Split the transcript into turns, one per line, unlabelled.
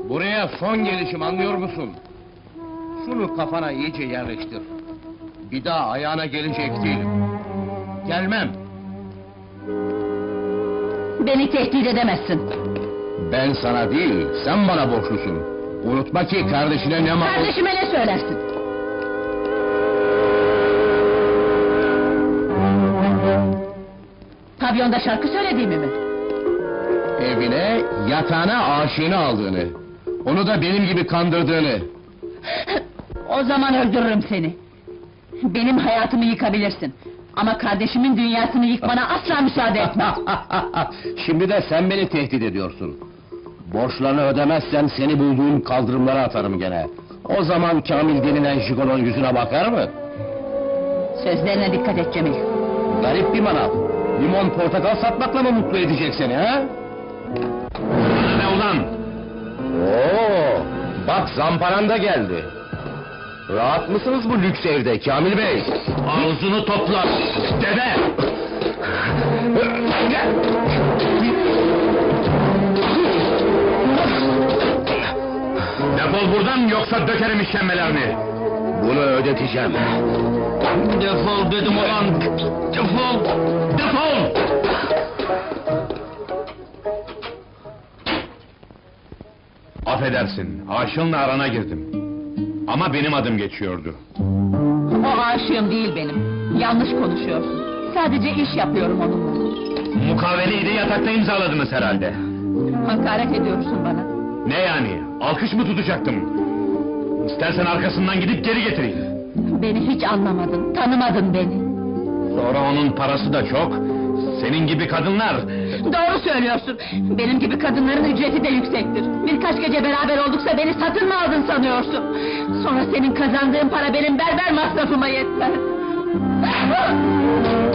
Buraya son gelişim, anlıyor musun? Şunu kafana iyice yerleştir. Bir daha ayağına gelecek değilim. Gelmem.
Beni tehdit edemezsin.
Ben sana değil, sen bana borçlusun. Unutma ki kardeşine ne mal...
Kardeşime ne söylersin? Pavyonda şarkı söylediğimi mi?
Evine, yatağına aşığını aldığını... Onu da benim gibi kandırdığını...
O zaman öldürürüm seni. Benim hayatımı yıkabilirsin. Ama kardeşimin dünyasını yıkmana asla müsaade etmem.
Şimdi de sen beni tehdit ediyorsun. Borçlarını ödemezsen seni bulduğum kaldırımlara atarım gene. O zaman Kamil denilen jigolon yüzüne bakar mı?
Sözlerine dikkat et Cemil.
Garip bir manav. Limon portakal satmakla mı mutlu edecek seni ha? Ne ulan? Oo, bak zamparan da geldi. Rahat mısınız bu lüks evde Kamil Bey? Ağzını topla, deve! Defol buradan yoksa dökerim işkembelerini! Bunu ödeteceğim. Defol dedim ulan! Defol! Defol! Affedersin, aşığınla arana girdim. Ama benim adım geçiyordu.
O aşığım değil benim. Yanlış konuşuyorsun. Sadece iş yapıyorum onunla.
Mukaveleyi de yatakta imzaladınız herhalde.
Hakaret ediyorsun bana.
Ne yani? Alkış mı tutacaktım? İstersen arkasından gidip geri getireyim.
Beni hiç anlamadın, tanımadın beni.
Sonra onun parası da çok. Senin gibi kadınlar...
Doğru söylüyorsun. Benim gibi kadınların ücreti de yüksektir. Birkaç gece beraber olduksa beni satın mı aldın sanıyorsun? Sonra senin kazandığın para benim berber masrafıma yetmez.